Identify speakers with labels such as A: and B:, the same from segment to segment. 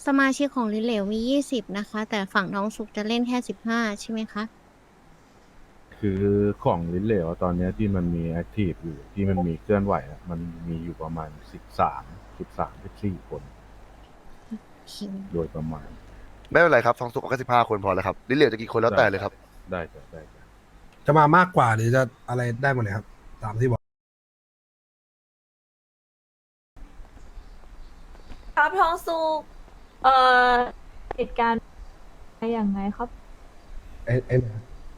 A: สมาชิกของลิ้นเหลวมี20นะคะแต่ฝั่งน้องสุกจะเล่นแค่15ใช่ไหมคะ
B: คือของลิ้นเหลวตอนเนี้ยที่มันมีแอคทีฟอยู่ที่มันมีเคลื่อนไหวอะมันมีอยู่ประมาณ13 14 คน
A: โอเค
B: โดยประมาณ
C: ไม่เป็นไรครับทองสุกเอาแค่15 คนพอแล้วครับลิ้นเหลวจะกี่คนแล้ว
B: ได้ได้
C: แต่เลยครับ
B: ได้จ้ะได้จ้ะ
D: จะมามากกว่าหรือจะอะไรได้หมดเลยครับตามที่บอก
E: ครับทองสุกเอ่อเหตุการณ์อะไรอย่างไงครับ
D: ไอ้เนี่ย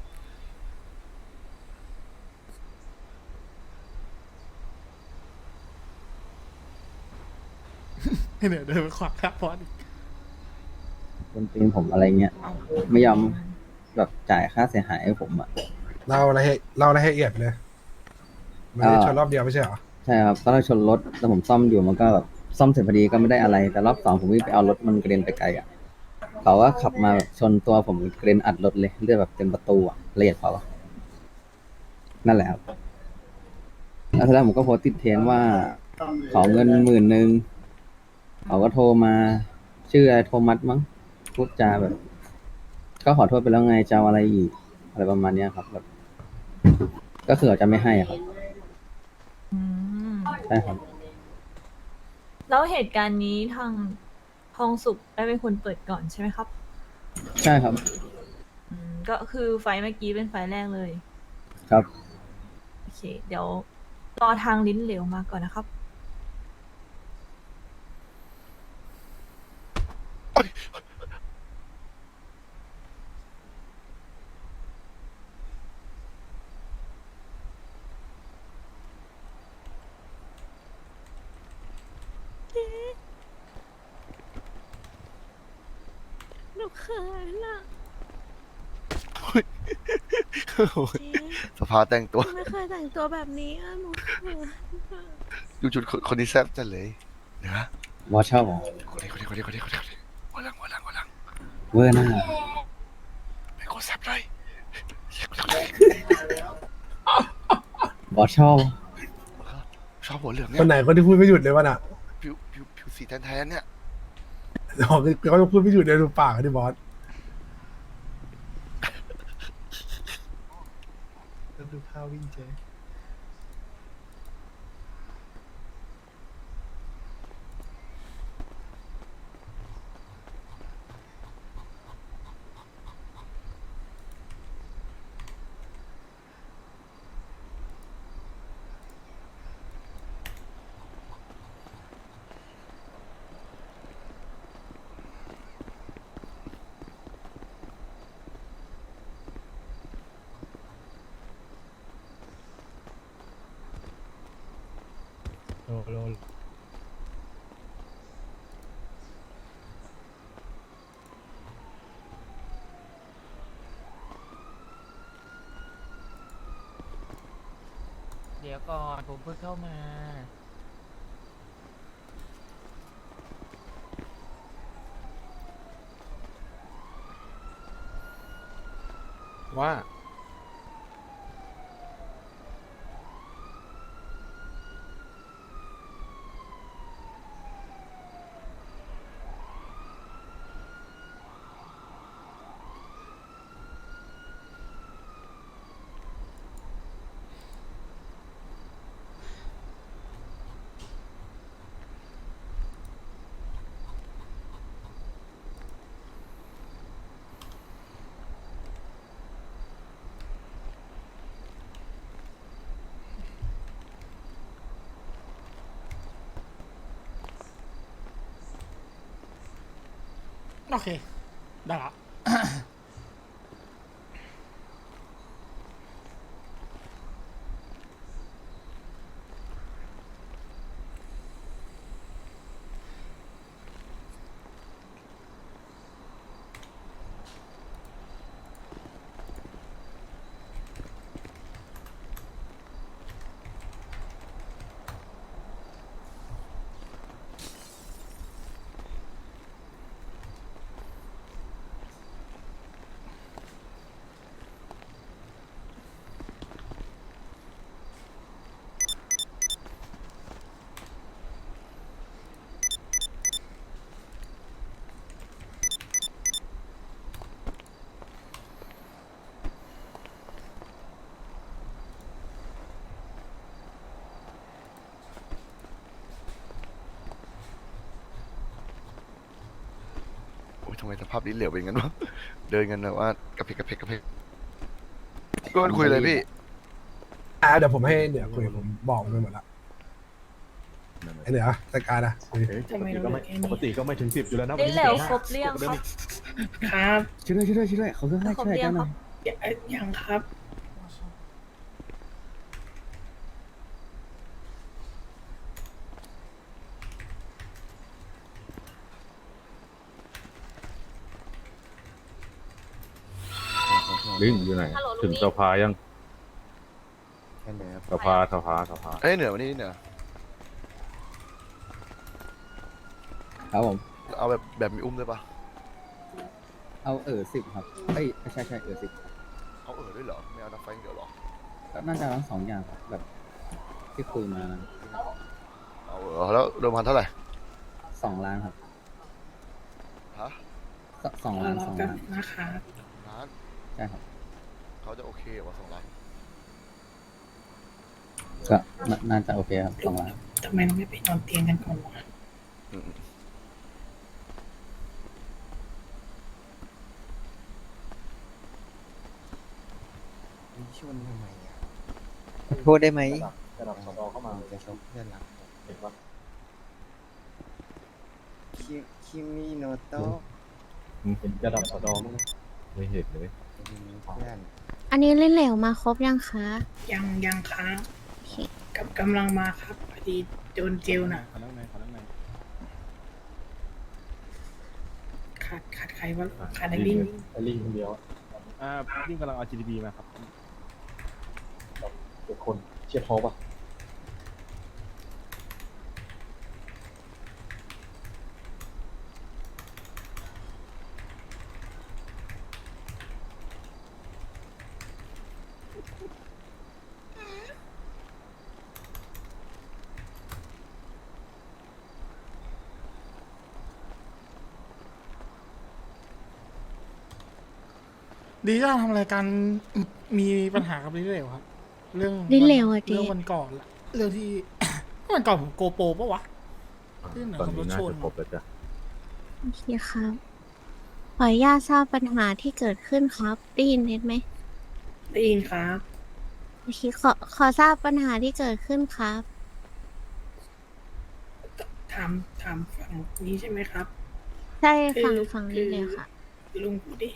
F: เดี๋ยวเดินไปขวางหน้าพอดอีก
G: คนตีนผมอะไรเงี้ยไม่ยอมแบบจ่ายค่าเสียหายให้ผมอ่ะ
D: เล่าอะไรให้ละเอียดเลยมันได้ชนรอบเดียวไม่ใช่เหรอ
G: ใช่ครับตอนแรกชนรถแล้วผมซ่อมอยู่มันก็แบบซ่อมเสร็จพอดีก็ไม่ได้อะไรแต่รอบสองผมวิ่งไปเอารถมันกระเด็นไปไกลอ่ะเขาว่าขับมาแบบชนตัวผมกระเด็นอัดรถเลยเลือดแบบเต็มประตูอ่ะละเอียดเปล่าวะนั่นแหละครับแล้วทีแรกผมก็โพสต์ติดเทรนด์ว่าขอเงิน10,000เขาก็โทรมาชื่ออะไรโทมัสมั้งพูดจาแบบก็ขอโทษไปแล้วไงจะเอาอะไรอีกอะไรประมาณเนี้ยครับแบบก็คือเขาจะไม่ให้อะครับ
E: อืม
G: ใช่ครับ
E: แล้วเหตุการณ์นี้ทางทองสุกได้เป็นคนเปิดก่อนใช่ไหมครับ
G: ใช่ครับ
E: ก็คือไฟล์เมื่อกี้เป็นไฟล์แรกเลย
G: ครับ
E: โอเค เดี๋ยวรอทางลิ้นเหลวมาก่อนนะครับ
A: หนูเขินอะเจ๊
C: สภาแต่งตัว
A: หนูไม่เคยแต่งตัวแบบนี้อะหนูเขินอะ
C: ดูชุดคนนี้แซ่บจังเลยเดี๋ยวนะ
G: วอชเชอร์
C: คนนี้หัวหลัง
G: เวอร์หน้า
C: เป็นคนแซ่บเลย
G: วอชเชอร์
C: ชอบหัวเหลือง
D: คนไหน
C: เนี่ย
D: คนที่พูดไม่หยุดเลยวะน่ะ
C: ผิวสีแทนๆเนี่ย
D: เขาจะพูดไม่หยุดเลยดูปากดิบอสดูข้าววิ่งเจ๊โล
F: เดี๋ยวก่อนผมเพิ่งเข้ามาว่าโอเคได้ละ
C: ทำไมสภาพลิ้นเหลวเป็นงั้นวะเดินกันแบบว่ากระเพกกระเพกกระเพกก็มันคุยเลยพี่
D: เดี๋ยวผมให้เหนือคุยผมบอกไปหมดละ
B: นั่นแหละ
D: ไอเหนือจัดการนะคุย
H: ปกติก็ไม่ถึง10อยู่แล้วนะ
E: ลิ้นเหลวครบเรียงครับ
I: ครับ
G: ช่วยด้วยเขาเรื่องให้
E: ครบ
G: ช่วย
E: เรีย
G: กั
E: ง
G: นห
E: ค
G: น่
E: รั
G: อบ ย
I: ยังครับ
B: ลิงอยู่ไหน
E: ฮัลโหลลุง
B: ถึง
E: นี่
B: สภายังสภา
C: เอ้ยเหนือวันนี้เหนือ
G: ครับผม
C: เอาแบบมีอุ้มด้วยปะ
G: เอา10ครับเอ้ยใช่10
C: เอาด้วยเหรอไม่เอานักไฟอย่างเดียวเหรอ
G: ก็น่าจะทั้ง2อย่างครับแบบที่คุยมา
C: เอาแล้วเดิมพันเท่าไหร่
G: 2 ล้านครับ
C: ฮะ
G: 2 ล้าน
I: รอ
G: 2
I: แป๊บ
G: ล้าน
I: นะครับ
C: ล้าน
G: ใช่ครับ
C: เขาจะโอเคกว่า2 ล้าน
G: ก็น่าจะโอเคครับ2 ล้าน
I: ทำไมเราไม่ไปนอนเตียงกันก่อนวะ
C: อืม
J: พูดได้ไหม
H: ระดับสดเข้ามา
J: จะชกเพื่อนรัก
H: เห็นปะ
J: คิมิโนโตะ
H: เห็นระดับสดมั้ง
B: ไม่เห็นเลย
J: เพื่อน
A: อันนี้เล่นเหลวมาครบยังคะ
I: ยังครับ
A: โอเค
I: กำลังมาครับพอดีโดนเจลน่ะ
H: ขอนั่งใน
I: ขาดใครวะขาดไอ้ลิง
H: ไอ้ลิงคนเดียวลิงกำลังเอา GDP มาครับเด็กคนเชียร์ท้อป่ะ
F: ดีจ้าทำอะไรกันมีปัญหากับลิ้นเหลวครับ เรื่อง
A: ลิ้นเหลวอะเจ๊
F: เรื่องวันก่อนละเรื่องที่ วันก่อนผมโกโปรปะวะ ที่ไหน
B: ตอนนี้น่า
F: ขับรถชน
B: จะครบแล้วจ้ะ
A: โอเคครับ ขออนุญาตทราบปัญหาที่เกิดขึ้นครับ ได้ยินเน็ตไหม
I: ได้ยินครับ
A: โอเคขอทราบปัญหาที่เกิดขึ้นครับ
I: ถามฝั่งนี้ใช่ไหมครับ
A: ใช่ฝั่งนี้เลยค่ะ
I: ลุงพูดดิ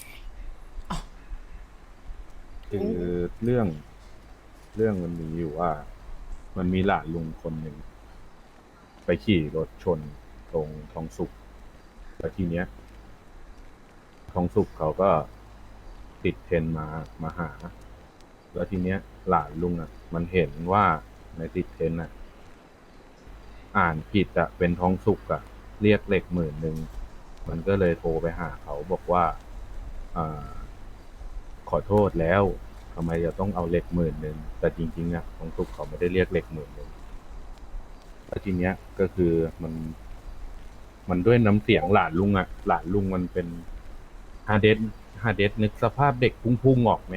B: คือเรื่องมันมีอยู่ว่า มันมีหลานลุงคนหนึ่งไปขี่รถชนตรงทองสุกแล้วทีเนี้ยทองสุกเขาก็ติดเทรนมาหา แล้วทีเนี้ยหลานลุงอ่ะ มันเห็นว่าในติดเทรนอ่ะ อ่านผิดอ่ะเป็นทองสุกอ่ะ เรียกเหล็ก10,000มันก็เลยโทรไปหาเขาบอกว่าขอโทษแล้วทำไมจะต้องเอาเหล็ก10,000แต่จริงๆอ่ะทองสุกเขาไม่ได้เรียกเหล็ก10,000แล้วทีเนี้ยก็คือมันด้วยน้ำเสียงหลานลุงอ่ะ หลานลุงมันเป็นฮาเดสนึกสภาพเด็กพุ่งๆออกไหม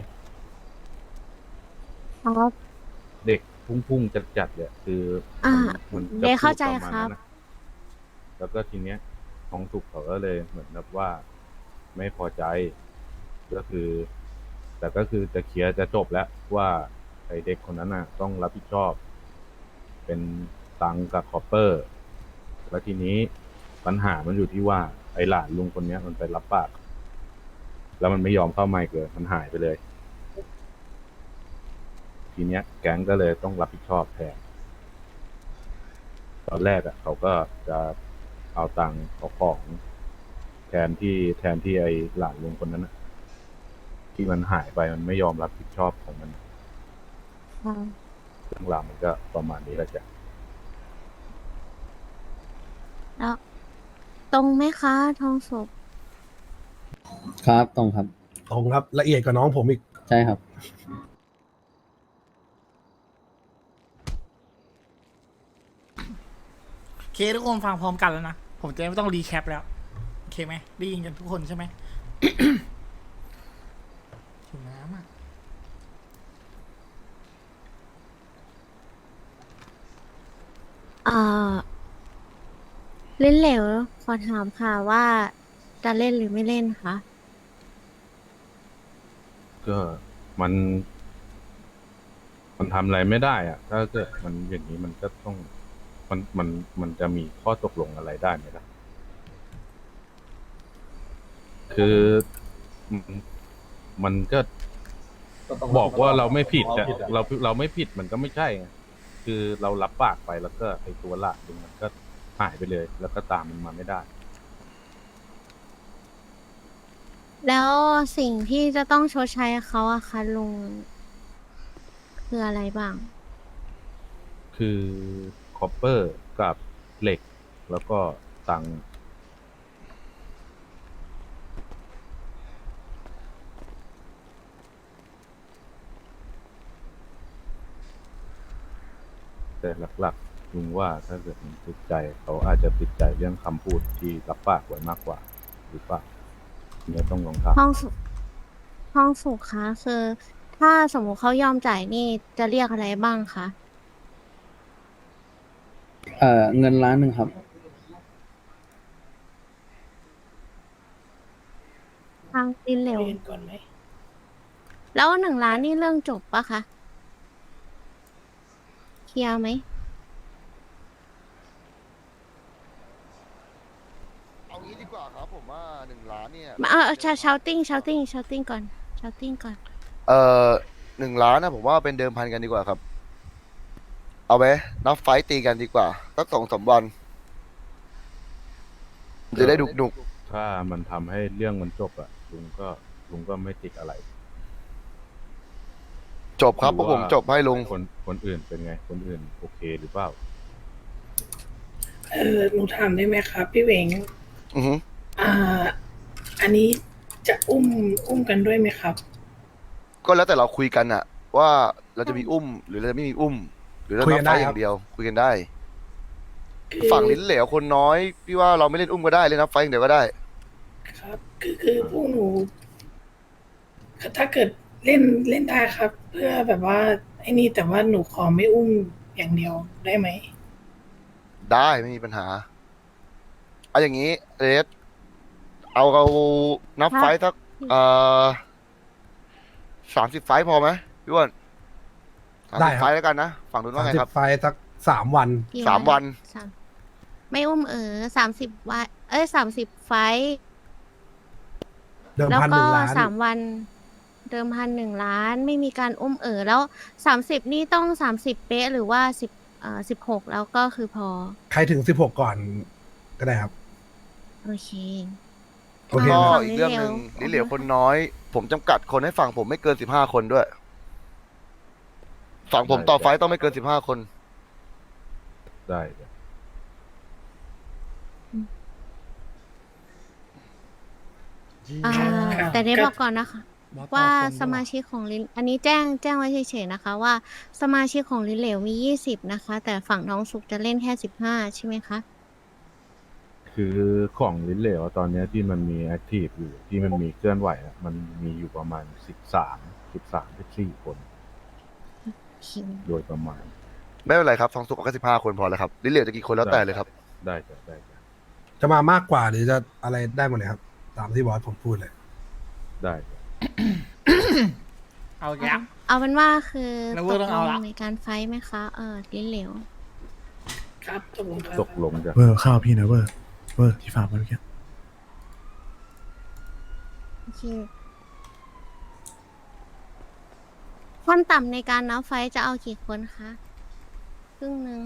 A: ครับ
B: เด็กพุ่งๆจัดๆเนี่ยคือ
A: อ่า
B: มัน
A: เดี๋ยวเข้าใจ
B: พูดประมณ
A: ครับ
B: นั้นน่ะแล้วก็ทีเนี้ยทองสุกเขาก็เลยเหมือนแบบว่าไม่พอใจ ก็คือ แต่ก็คือจะเคลียร์จะจบแล้วว่าไอเด็กคนนั้นน่ะ ต้องรับผิดชอบ เป็นตังค์กับคอปเปอร์ แล้วทีนี้ปัญหามันอยู่ที่ว่าไอหลานลุงคนเนี้ยมันไปรับปาก แล้วมันไม่ยอมเข้าไมค์เกิดมันหายไปเลย ทีเนี้ยแก๊งก็เลยต้องรับผิดชอบแทน ตอนแรกอ่ะเขาก็จะเอาตังค์เอาของแทนที่ไอหลานลุงคนนั้นน่ะ ที่มันหายไปมันไม่ยอมรับผิดชอบของมัน
A: ครับ
B: เรื่องราวมันก็ประมาณนี้แหละจ้ะ
A: แล้วตรงไหมคะทองสุก
G: ครับตรงครับ
D: ตรงครับละเอียดกว่าน้องผมอีก
G: ใช่ครับ
F: โอเคทุกคนฟังพร้อมกันแล้วนะ ผมจะไม่ต้องรีแคปแล้ว โอเคไหมได้ยินกันทุกคนใช่ไหม หิวน้ำอ่ะ
A: เล่นเหลวขอถามค่ะว่าจะเล่นหรือไม่เล่นคะ
B: ก็มันทำอะไรไม่ได้อะถ้าเกิดมันอย่างนี้มันก็ต้องมันจะมีข้อตกลงอะไรได้ไหมล่ะคือมันก็บอกว่าเราไม่ผิดแต่เราไม่ผิดมันก็ไม่ใช่ไงคือเรารับปากไปแล้วก็ไอ้ตัวหลักมันก็หายไปเลย แล้วก็ตามมันมาไม่ได้
A: แล้วสิ่งที่จะต้องชดใช้เขาอะคะลุงคืออะไรบ้าง
B: คือคอปเปอร์กับเหล็ก แล้วก็ตังค์แต่หลักๆลุงว่าถ้าเกิดมันติดใจเขาอาจจะติดใจเรื่องคำพูดที่รับปากไว้มากกว่า หรือเปล่าเนี่ยต้องลองถาม
A: ห้องสุขคะคือถ้าสมมุติเขายอมจ่ายนี่จะเรียกอะไรบ้างคะ
G: เงินล้านหนึ่งครับ
A: ทางดินเหลว
I: เรียนก่อนไหม
A: แล้ว1 ล้านนี่เรื่องจบปะคะ เคลียร์ไหม
C: เอางี้ดีกว่าครับผมว่า1 ล้านเนี่ย
A: ชาวติ้งก่อนชาวติ้งก่อน
C: 1 ล้านนะผมว่าเป็นเดิมพันกันดีกว่าครับ เอาไว้นับไฟต์ตีกันดีกว่าสัก2-3 วัน จะได้ดุก
B: ถ้ามันทำให้เรื่องมันจบอะลุงก็ไม่ติดอะไร
C: จบครับเพราะผมจบให้ลุง
B: คนอื่นเป็นไง คนอื่นโอเคหรือเปล่า
I: หนูถามได้ไหมครับ พี่เหวง
C: อือฮึ
I: อันนี้จะอุ้มกันด้วยไหมครับ
C: ก็แล้วแต่เราคุยกันอะว่าเราจะมีอุ้ม หรือเราจะไม่มีอุ้ม หรือเรา
D: คุย
C: นั
D: กับ น
C: ไฟ
D: ได้
C: ต์อ
D: ครับ
C: ย่างเดียว คุยกันได้
I: คือ
C: ฝั่งลิ้นเหลวคนน้อยพี่ว่าเราไม่เล่นอุ้มก็ได้เล่นนับไฟต์อย่างเดียวก็ได้
I: ครับ คือพวกหนู ถ้าเกิดเล่นได้ครับ เพื่อแบบว่าไอ้นี่แต่ว่าหนูขอไม่อุ้มอย่างเดียวได้ไหม
C: ได้ไม่มีปัญหา เอาอย่างนี้เรสเอานับ
A: ครับ
C: ไฟต์สัก30 ไฟต์พอไหมพี่อ้วน
D: ได้
C: 30
D: ครับ
C: ไฟต์แล้วกันนะฝั่งนู้นว่าไงครับ
D: 30 ไฟล์สัก3 วัน
A: กี่
C: 3 วัน
A: สามไม่อุ้ม30 วัน30 ไฟท์
D: เดิม
A: แล้ว
D: พัน
A: ก็
D: 1 ล้าน
A: 3 วัน เดิมพัน1 ล้านไม่มีการอุ้มแล้ว30นี่ต้อง30 เป๊ะหรือว่า16แล้วก็คือพอ
D: ใครถึง 16 ก่อนก็ได้ครับ
A: โอเค
D: โอเค
C: ก็
D: นะ
A: ฝั่ง
C: อีกเรื่องหนึ่ง
A: ลิ้
C: ลิ้
A: น
C: น
A: เห
C: เห
A: ล
C: ล
A: ว
C: วคนน้อย ผมจำกัดคนให้ฝั่งผมไม่เกิน15 คนด้วย ฝั่งผมต่อไฟต์ต้องไม่เกิน15 คน
B: ได้เดี๋ยว
A: อ่า
I: ครับ
A: แต่ได้บอกก่อนนะคะ ว่าสมาชิกของลิ้นอันนี้แจ้งไว้เฉยๆนะคะ ว่าสมาชิกของลิ้นเหลวมี20นะคะ แต่ฝั่งน้องสุกจะเล่นแค่15ใช่ไหมคะ
B: คือของลิ้นเหลวตอนเนี้ยที่มันมีแอคทีฟอยู่ที่มันมีเคลื่อนไหวอะมันมีอยู่ประมาณ14 คน โดยประมาณ
C: ไม่เป็นไรครับฝั่งสุกก็15 คนพอแล้วครับลิ้นเหลวจะกี่คนแล้วแต่เลยครับ
B: ได้จ้ะได้จ้ะ
D: จะมามากกว่าหรือจะอะไรได้หมดเลยครับ ตามที่บอสผมพูดเลย
B: ได้จ้ะ
F: เอาแย้ม
A: เอาเป็นว่าคือ
F: แล้ว
A: ต
F: เวอร์
A: ก
F: ต้อง
A: ล
F: เอา
A: ง
F: ละ
A: ในการไฟท์ไหมคะลิ้นเหลว
I: ครับตกลงครับ
B: ตกลงจ้ะ
K: เวอร์ข้าวพี่นะเวอร์ที่ฝากมาเมื่อกี้
A: โอเคขั้นต่ำในการนับไฟท์จะเอากี่คนคะครึ่งหนึ่ง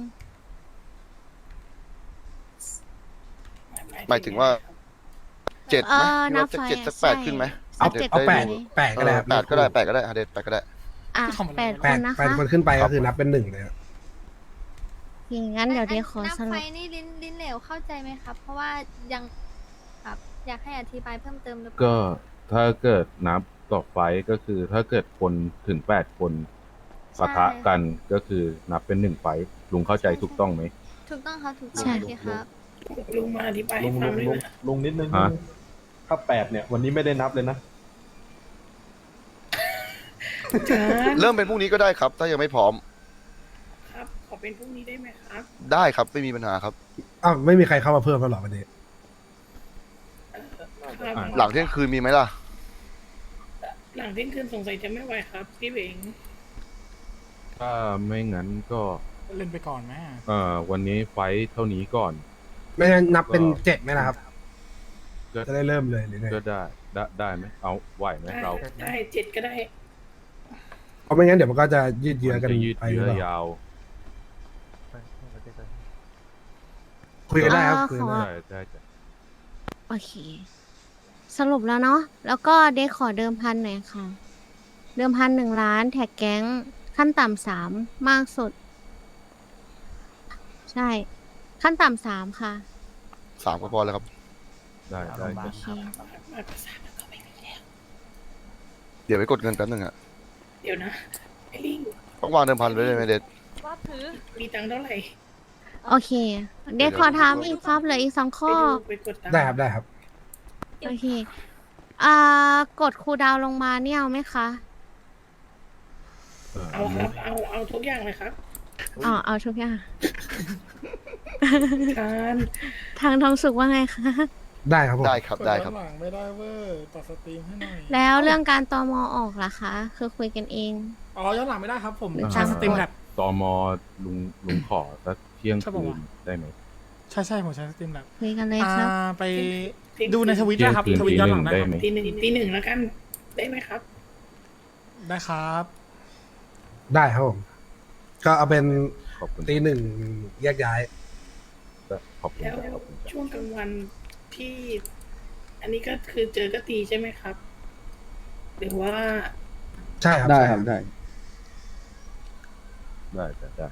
C: หมายถึงว่า 7ไหมพี่
A: นั
C: ว่า
A: บ
C: สัก
A: ไฟ
C: 7สัก
A: ใช่
C: 8ขึ้นไหม
D: เอา
A: 7
D: เอา
A: ได้
D: 8
A: ไหม
D: 8ก็ได้ครับ
C: 8ก็ได้8ก็ได้เดท8ก็ได้
A: อ่ะ
F: ทำอะไร
A: 8
D: แป
A: ค
D: ด
A: นนะ
D: แปด
A: คะ
D: คนขึ้นไปก็คือนับเป็น1เลยครับ
A: อย่างนั้นเดี๋ยวเดี๋ยวขอ
L: นับ
A: ส
L: ไฟ
A: รุป
L: นี่ลิ้นเหลวเข้าใจไหมครับ เพราะว่ายังครับอยากให้อธิบายเพิ่มเติมหรือเปล่า
B: ก็ถ้าเกิดนับต่อไฟต์ก็คือถ้าเกิดคนถึง8 คนปะทะกันก็คือนับเป็น1 ไฟต์ลุงเข้าใจถูกต้องไหม
L: ถูกต้องครับถูกต้อง
A: ใช่
L: โอเคครับ
I: ลุงมาอธิบายให้ฟังด้วยนะ
H: ลุงนิดนึง
B: ฮะ
H: ถ้า8เนี่ย วันนี้ไม่ได้นับเลยนะ
I: จ้า
C: เริ่มเป็นพรุ่งนี้ก็ได้ครับ ถ้ายังไม่พร้อม
I: ครับ ขอเป็นพรุ่งนี้ได้ไหมครับ
C: ได้ครับไม่มีปัญหาครับ
D: อ้าวไม่มีใครเข้ามาเพิ่มแล้วเหรอวันนี้
I: คครับ
C: หลังเที่ยงคืนมีไหมล่ะ
I: หลังเที่ยงคืนสงสัยจะไม่ไหวครับ พี่เบง
B: ถ้าไม่งั้นก็
F: เล่นไปก่อนไหม
B: วันนี้ไฟท์เท่านี้ก่อน
D: ไม่งั้นนับเป็น7ไหมล่ะครับ
B: ก็
D: จะได้เริ่มเลยหรือไง
B: ก็ได้ไหมเอาไหวไหมเรา
I: ได้7ก็ได้
D: เพราะไม่งั้นเดี๋ยวมันก็จะยืดเยื้อกัน
B: จะยืด
D: ไปหรือ
B: เยื้อ
D: เปล่าย
B: าว
D: คุยกันได้ครับ
A: อ่า
D: คุยกันได้
B: ได้จ้ะ
A: โอเค สรุปแล้วเนาะ แล้วก็เดขอเดิมพันหน่อยค่ะ เดิมพัน1 ล้านแท็กแก๊งขั้นต่ำ3มากสุด ใช่ ขั้นต่ำ3ค่ะ
C: 3 ก็พอแล้วครับ
B: ได้
A: โอ
B: จ้ะ
A: เค
I: มากกว่า3แล้วก็ไม่มีแล้ว
C: เดี๋ยวไปกดเงินแป๊บนึงอะ
I: เดี๋ยวนะ ไอ้ลิง
C: ต้องวางเดิมพันไว้เลยไหมเด็ด
E: ว่าถือ
I: มีตังค์เท่าไหร่
A: โอเค เดขอถามอีกครับเหลืออีก2
I: ไป
A: ข้อ
I: ดูไปกดตังค์
D: ได้ครับได้ครับ
A: โอเค กดคูลดาวน์ลงมาเนี่ยเอาไหมคะ
I: เอาครับ เอาทุกอย่างเลยครับ
A: เอาทุกอย่าง
I: การ
A: ทางทองสุขว่าไงคะ
D: ได้ครับผม
C: ได้ครับได้ครับ
F: หลังไม่ได้เว้ยตัดสตรีมให้หน่อย
A: แล้วเรื่องการตมออกล่ะคะ คือคุยกันเอง
F: อ๋อย้อนหลังไม่ได้ครับผม
A: หรือ
F: ใช้สตรีมแลบ
B: ตมลุงขอสักเที่ยง
F: ใช่
B: คื
F: ปะ
B: น
F: วะ
B: ได้ไหม
F: ใช่ผมใช้สตรีมแลบ
A: คุยกันเลยครับ
F: ไปดูในทวิตนะครับ
B: เที่ยง
F: ท
B: คื
F: วิต
B: น
F: ย้อนหลัง
B: ได้
F: ได้
B: ไหม
I: ตีหนึ่งแล้วกัน ได้ไหมครับ
F: ได้ครับ
D: ได้ครับผม ก็เอาเป็น
B: ขอบคุณ
D: ตี 1แยกย้าย
B: ขอบคุณ
I: แล้ว
B: จ้ะขอบคุณจ้ะ
I: ช่วงกลางวันที่ อันนี้ก็คือเจอก็ตีใช่ไหมครับ หรือว่า
D: ใช่ครับ
G: ได้
D: ใช่
G: ครับได้
B: ได้จ้ะได้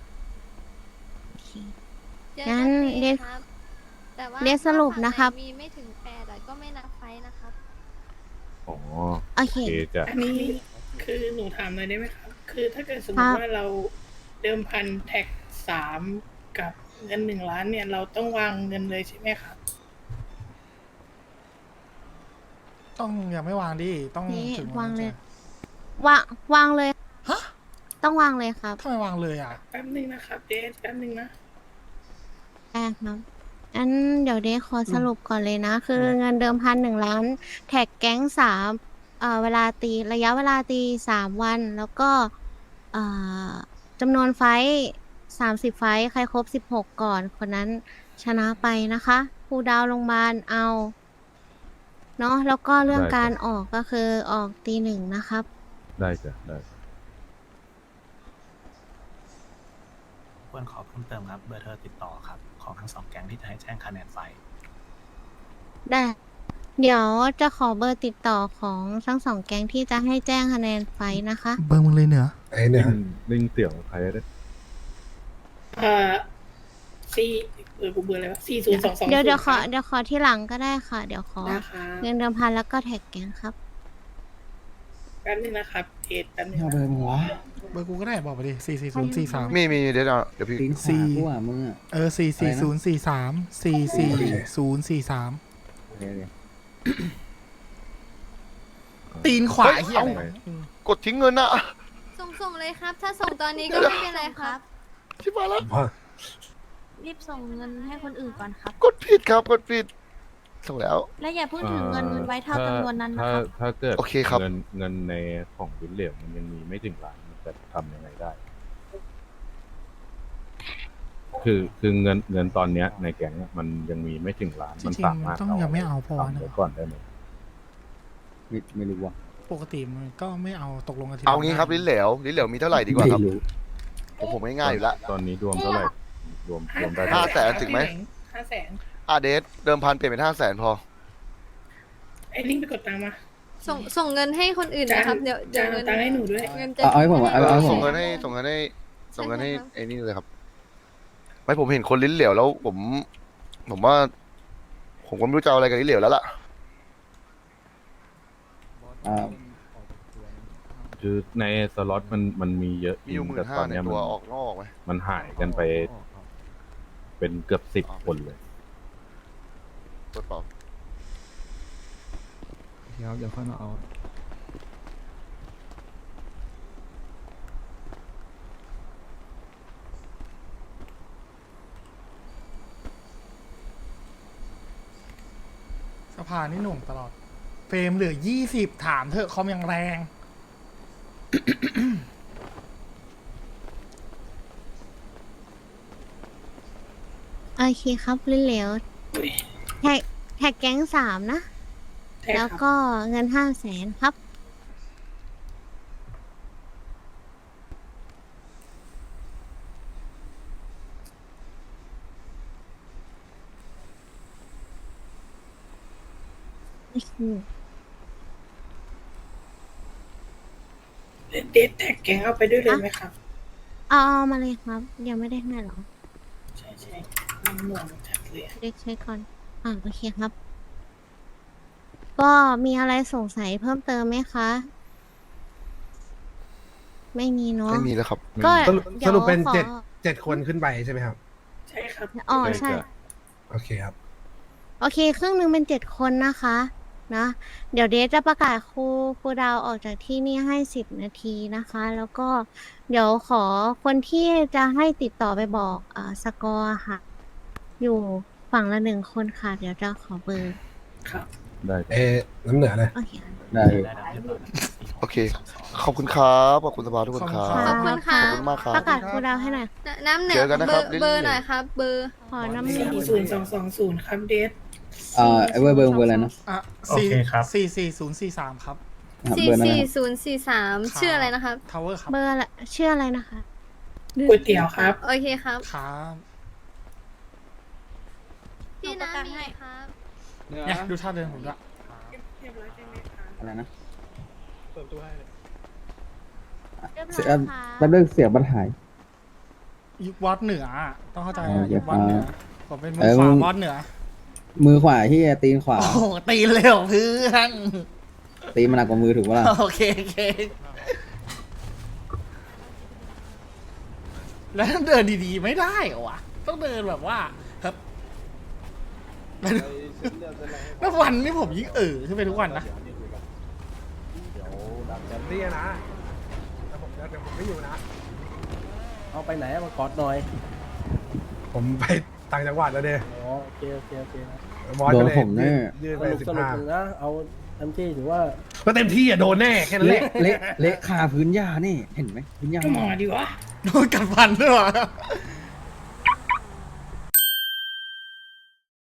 L: เจอ
A: งั้
L: กัน น
A: เรียก
L: ครับ แต่ว่า
A: เรียกสรุปนะครับ
L: ถ้าฝั่งไหมีไม่ถึง8ก็ไม่นับไฟท์นะครับ
B: อ๋อ
A: โอเค
B: โอเคจ้ะ
I: อันนี้คือหนูถามเลยได้ไหมครับ คือถ้าเกิดสมม
A: ครั
I: ติ
A: บ
I: ว่าเราเดิมพันแท็ก3กับเงิน1 ล้านเนี่ย เราต้องวางเงินเลยใช่ไหมครับ
F: ต้องยังไม่วางดิต้อง
A: นี่
F: ถึง
A: วางเลย
F: จะ
A: วางเลย
F: ฮะ
A: ต้องวางเลยครับ
F: ทำไมวางเลยอ่ะ
I: แป๊บนึงนะครับเดชแป๊บนึงนะ
A: ได้ครับอันเดี๋ยวเดขอสรุปก่อนเลยนะ คือเงินเดิมพัน1 ล้าน แท็กแก๊งเวลาตีระยะเวลาตี3 วัน แล้วก็เอ่อจำนวนไฟท์30 ไฟท์ใครครบ16ก่อนคนนั้นชนะไปนะคะคูลดาวน์โรงพยาบาลเอาเนาะแล้วก็เรื่อง
B: ได้
A: การ
B: จ้ะ
A: ออกก็คือออกตี 1นะครับ
B: ได้จ้ะได้
M: ควรขอเพิ่มเติมครับเบอร์โทรติดต่อครับ ของทั้ง2 แก๊งที่จะให้แจ้งคะแนนไฟ
A: ได้ เดี๋ยวจะขอเบอร์ติดต่อของทั้ง2 แก๊งที่จะให้แจ้งคะแนนไฟท์นะคะ
K: เบอร์มึงเลยเหนือ
D: ไอ้เนี่ย
B: ลิงเตี่ยวใครได้
I: สี่กูเบื่ออะไรวะ4022
A: เดี๋ยวขอที่หลังก็ได้ค่ะ เดี๋ยวขอ
I: นะคะ
A: เงินเดิมพันแล้วก็แท็กแก๊งครับ
I: แป๊บนึงนะครับเดชแป๊บนึง
G: เอา
I: นะ
G: เบอร์มึงวะ
F: เบอร์กูก็ได้บอกไปดิ44043
C: มีเดี๋ยวเดี๋ยวพี่
G: ตีนขวากูอ่ะมึงอ่ะ
F: 44043 44043
G: เดี๋ยว
F: ตีนขวา
C: เฮ้ย
F: เฮียอะไร
B: เอ้า
C: กดทิ้งเงินอะ
L: ส่งเลยครับ ถ้าส่งตอนนี้ก็ไม่เป็นไรครับ
C: ชิบหายแล้ว
L: รีบส่งเงินให้คนอื่นก่อนครับ
C: กดผิดครับกดผิดส่งแล้ว
L: และอย่าเพิ่งถือเงินไว้เท่าจำนวนนั้นนะ
B: ถ้า
L: ครับ
B: ถ้าเกิด
C: โอเคครับ
B: เงินในของวินเหลวมันยังมีไม่ถึงล้านมันจะทำยังไงได้ คือเงินตอนเนี้ยในแก๊งอะมันยังมีไม่ถึงล้าน
F: จ
B: มัน
F: ริง
B: สามารถ
F: ๆต้องยังไม่เอาพอ
B: ทำ
F: นะ
B: ไว้ก่อนได้ไหม
G: ไม่รู้ว่ะ
F: ปกติมันก็ไม่เอาตกลงกันที
C: เอางี้ครับลิ้นเหลวมีเท่าไหร่ดีกว่าครับ
G: ไม่รู้
C: ผมง่ายๆอยู่แล้ว
B: ตอนนี้รวมเท่าไหร่รวมได้
C: ห้า
B: เท่าไหร่
C: 500,000ถึงไหม
I: 500,000
C: เดทเดิมพันเปลี่ยนเป็น500,000พอ
I: ไอ้ลิงไปกดตังค์มา
L: ส่งเงินให้คนอื่นนะครับ เดี๋ยว
I: จะ
L: เงิน
I: ตังค์ให้หนูด้วย
L: เงินจะ
G: เอาให้ผมเอาให้ผ
C: ส่
G: ม
C: งเงินให้ไอ้นี่เลยครับ ไม่ผมเห็นคนลิ้นเหลวแล้ว ผมว่า ผมก็ไม่รู้จะเอาอะไรกับลิ้นเหลวแล้วล่ะ
G: อ่า
B: คือในสล็อตมันมีเยอะ
C: มีอยู่
B: แต่ตอน
C: 15,000ใน
B: เนี้ย
C: ตั
B: มั
C: วน ออกนอกไหม
B: มันหายกันไป เป็นเกือบ10 คนเลย
C: กดเปล่า
K: ครับเดี๋ยวค่อยมาเอา
F: สภานี่หน่วงตลอด เฟรมเหลือ20ถามเถอะคอมยังแรง
A: โอเคครับลิ้นเหลว
I: อุ๊ย
A: แท็กแก๊ง3นะ
I: ใช่
A: แล้ว
I: ครับ
A: ก็เงิน500,000ครับ
I: เดทแท็กแกงเอาไปด้วยเลยไหมครับ
A: เอามาเลยครับ ยังไม่ได้ให้หรอ
I: ใช่ใช่มันหน่วงจัดเลยอะ
A: เด็กเช็คก่อน โอเคครับ ก็มีอะไรสงสัยเพิ่มเติมไหมคะ ไม่มีเนาะ
C: ไม่มีแล้วครับ
A: ก็
D: สรุปเป็น
A: ดี๋ยวขอ
D: 7 คนขึ้นไปใช่ไหมครับ
I: ใช่ครับ
A: อ๋อใช่
D: โอเคครับ
A: โอเค ครึ่งหนึ่งเป็น7 คนนะคะ นะ เดี๋ยวเดทจะประกาศครูดาวออกจากที่นี่ให้10 นาทีนะคะ แล้วก็เดี๋ยวขอคนที่จะให้ติดต่อไปบอกสกอร์ค่ะ อยู่ฝั่งละ1 คนค่ะ เดี๋ยวจะขอเบอร์
I: ครับ
B: ได้
D: น้ำเหนือเลย
A: โอเค
G: ได้
C: โอเค ขอบคุณครับขอบคุณสภาทุกคนครับ
L: ขอบคุณค่ะ
C: ขอบคุณมากครับ
A: ประกาศครูดาวให้หน่อย
L: น้ำเหนื
C: เจ
L: อ
C: อกันนะ
L: เบ
C: ครั
L: อบ ร์เบอร์หน่อยครับ เบอร์
A: ขอน้ำหนึ่ง
I: 40220 ครับเดท
G: ไอ้เบอร์อะไรนะ
M: โอเคครับ
F: 44043ครับ
G: ครับ
L: สี่
G: เบอร์นั้น
L: สี่
G: นะครับ
L: ศูนย์สี่สามชื่ออะไรนะครับ
F: ทาวเวอร์ครับ
A: เบอร์อะไรชื่ออะไรนะคะ
I: ก๋วยเตี๋ยวครับ
L: โอเคครับ
F: ครับ
L: พี่น้ำมีครับ
F: เนี่ยดูท่าเดินผมด้วย
I: เรียบร้อยใช่ไหมคะ
G: อะไรนะ
H: เปิดประตูให้เลย
A: เรียบร้
G: เสี
A: อย ยค่ะ
G: แป๊บนึงเสียงบันหาย
F: ยุควอดเหนืออะต้องเข้าใจ
G: อ๋อ
F: ยุควอดเหนือผมเป็นมือ
G: เออ
F: ขวา
G: มึง
F: วอดเหนือ
G: มือขวาที่ตีนขวา
F: โอ้โหตีนเลยเหรอเพื่อน
G: ตีนมันหนักกว่ามือถูกปะล่ะ
F: โอเคโอเค แล้วเดินดีๆไม่ได้เหรอวะต้องเดินแบบว่าครับแล้ววันนี้ผมยิ่งขึ้นไปทุกวันนะ
D: นี่นะแต่เดี๋ยวผมไม่อยู่นะ
H: เอาไปไหนมากอดหน่อย
D: ผมไปต่างจังหวัดแล้วเด้
H: อ๋อโอเคโอเคโอเคนะ
D: บอส
G: โด
D: ก็
G: น
D: เลย
G: ผมแน่
D: ยื่น
H: ส
D: ไป
H: รุปสรุป
D: 15
H: นะ เอาเต็มที่ถือว่า
D: ก็เต็มที่อ่ะโดนแน่แค่นั้นแห
G: เละ
D: ละ
G: เละเละคาพื้นหญ้านี่ เห็นไหมพื้นหญ้า
I: ก็หมอดีวะ
F: โดนกัดฟันด้วยวะ